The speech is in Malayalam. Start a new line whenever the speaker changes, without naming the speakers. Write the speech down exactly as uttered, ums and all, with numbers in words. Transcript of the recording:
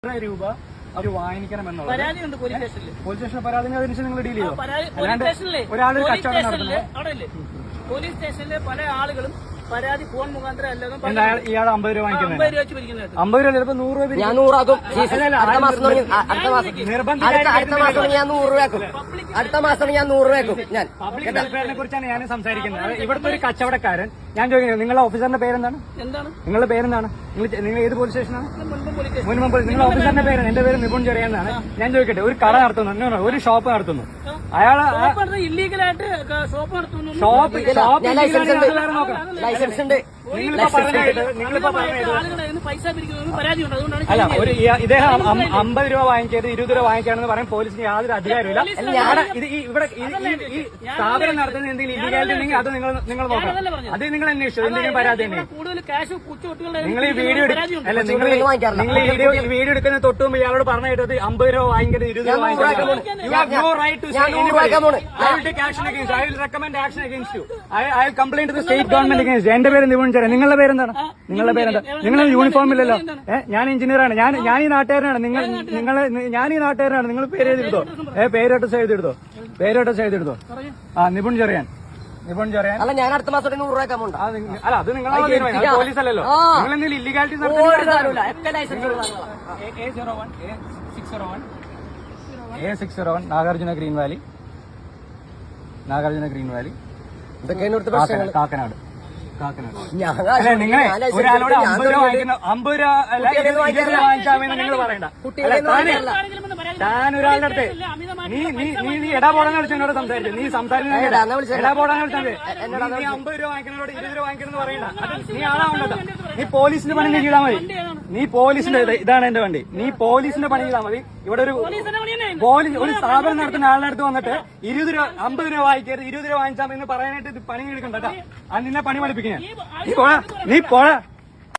നൂറ് രൂപ അവർ വാങ്ങിക്കണം എന്നുള്ളത്
പരാതിയുണ്ട് പോലീസ് സ്റ്റേഷനിൽ.
പോലീസ് സ്റ്റേഷൻ പരാതി അതിനുശേഷം നിങ്ങൾ ഡീൽ ചെയ്യോ?
അല്ലാണ്ട്
ഒരാൾ കച്ചവടം നടത്തുന്നത്
അവിടെ പോലീസ് സ്റ്റേഷനിലെ പല ആളുകളും പരാതി ഫോൺ മുഖാന്തരം അല്ലാതെ
ഇയാൾ അമ്പത് രൂപ വാങ്ങിക്കുന്നത്
അമ്പത് രൂപ വെച്ച് പിരിക്കുന്നത്.
അമ്പത് രൂപ ചിലപ്പോ നൂറ് രൂപ
ഞാൻ നൂറാക്കും. അടുത്ത മാസം തുടങ്ങി അടുത്ത മാസം അടുത്ത മാസം ഞാൻ നൂറ് രൂപയാക്കും. അടുത്ത മാസം ഞാൻ നൂറ് രൂപയാക്കും. ഞാൻ
പബ്ലിക് വെൽഫെയറിനെ കുറിച്ചാണ് ഞാൻ സംസാരിക്കുന്നത്. ഇവിടുത്തെ ഒരു കച്ചവടക്കാരൻ, ഞാൻ ചോദിക്കുന്നത് നിങ്ങളുടെ ഓഫീസറിന്റെ പേരെന്താണ്?
എന്താണ്
നിങ്ങളുടെ പേരെന്താണ്? നിങ്ങൾ നിങ്ങൾ ഏത് പോലീസ് സ്റ്റേഷനാണ്?
മുൻപ് പോലീസ്
മുൻപ് പോലീസ്. നിങ്ങളുടെ ഓഫീസറിന്റെ പേര്? എന്റെ പേര് നിപുൺ ചെറിയെന്നാണ്. ഞാൻ ചോദിക്കട്ടെ, ഒരു കട നടത്തുന്നു, ഒരു ഷോപ്പ് നടത്തുന്നു, അയാള്
ഇല്ലീഗലായിട്ട് ഷോപ്പ് നടത്തുന്നു.
ഷോപ്പ് ഷോപ്പ്
ലൈസൻസ് ഉണ്ട്.
നിങ്ങളിപ്പോ പറഞ്ഞത് നിങ്ങളിപ്പോ പറഞ്ഞത്
ആളുകളെ പൈസ പിരിക്കുന്നത് പരാതിയുണ്ട്. അതുകൊണ്ടാണ്
അല്ല, ഒരു ഇദ്ദേഹം അമ്പത് രൂപ വാങ്ങിച്ചത് ഇരുപത് രൂപ വാങ്ങിക്കാണെന്ന് പറയാൻ പോലീസിന് യാതൊരു അധികാരമില്ല. ഇത് ഇവിടെ ഈ സ്ഥാപനം നടത്തുന്ന എന്തെങ്കിലും ഇല്ലീഗാലിറ്റി ഉണ്ടെങ്കിൽ അത് നിങ്ങൾ നിങ്ങൾ നോക്കണം. അത് നിങ്ങൾ അന്വേഷിച്ചു. എന്തെങ്കിലും പരാതി തന്നെ
കൂടുതൽ ക്യാഷ് കുച്ചുകുട്ടികളുടെ
നിങ്ങൾ ഈ വീഡിയോ അല്ല നിങ്ങൾ നിങ്ങൾ ഈ വീഡിയോ വീഡിയോ എടുക്കുന്ന തൊട്ട് മുമ്പ് ഇയാളോട് പറഞ്ഞു കേട്ടത് അമ്പത് രൂപ വാങ്ങിക്കരുത്, ഇരുപത് രൂപ വാങ്ങിക്കരുത്. You have no right to say anybody. I will take action against I will recommend action against you. I I will complaint to the state government against. എന്റെ പേര് നിപുൺ ചെറിയ. നിങ്ങളുടെ പേരെന്താണ്? നിങ്ങളുടെ പേരെന്താ? നിങ്ങൾ യൂണിഫോം ഇല്ലല്ലോ. ഏഹ് ഞാൻ എഞ്ചിനീയറാണ്. ഞാൻ ഞാൻ ഈ നാട്ടുകാരനാണ്. നിങ്ങൾ നിങ്ങൾ ഞാൻ ഈ നാട്ടുകാരനാണ്. നിങ്ങൾ പേര് എഴുതിയെടുത്തോ. ഏഹ് പേരോട്ടസ് എഴുതിയെടുത്തോ. പേരോട്ടസ് എഴുതിയെടുത്തോ. ആ നിപുൺ ചെറിയാൻ. നിപുൺ ചെറിയാൻ.
അല്ല, ഞാൻ അടുത്ത മാസം നൂറ് രൂപ അമൗണ്ട്.
അല്ല, അത് നിങ്ങളെ പോലീസ് അല്ലല്ലോ. നിങ്ങൾ എന്തെങ്കിലും illegality A six zero one Nagarjuna Green Valley, Nagarjuna Green Valley, Kakkanad. അല്ലെ നിങ്ങളെ ഒരാളോട് അമ്പത് രൂപ വാങ്ങിക്കുന്ന അമ്പത് രൂപ അല്ല ഇരുപത് രൂപ വാങ്ങിക്കാമെന്ന് നിങ്ങൾ പറയണ്ട. താൻ ഒരാളുടെ അടുത്ത് നീ നീ നീ നീ എടാ പോടാന്ന് വിളിച്ച് എന്നോട് സംസാരിച്ചു. നീ സംസാരിക്കുന്നത് എടാ പോടാന്ന് വിളിച്ചാൽ നീ അമ്പത് രൂപ വാങ്ങിക്കുന്നതോട് ഇരുപത് രൂപ വാങ്ങിക്കണമെന്ന് പറയണ്ട. നീ ആളാവുണ്ടല്ലോ. നീ പോലീസിന്റെ പണി നീ ചെയ്താൽ മതി. നീ പോലീസിന്റെ ഇതാണ് എന്റെ വണ്ടി. നീ പോലീസിന്റെ പണി ചെയ്താൽ മതി. ഇവിടെ ഒരു പോലീസ് ഒരു സ്ഥാപനം നടത്തുന്ന ആളുടെ അടുത്ത് വന്നിട്ട് ഇരുപത് രൂപ അമ്പത് രൂപ വാങ്ങിക്കരുത്, ഇരുപത് രൂപ വാങ്ങിച്ചാൽ എന്ന് പറയാനായിട്ട് പണി എടുക്കണ്ട. അത് നിന്നെ പണി പഠിപ്പിക്കാൻ നീ പോടാ നീ പോടാ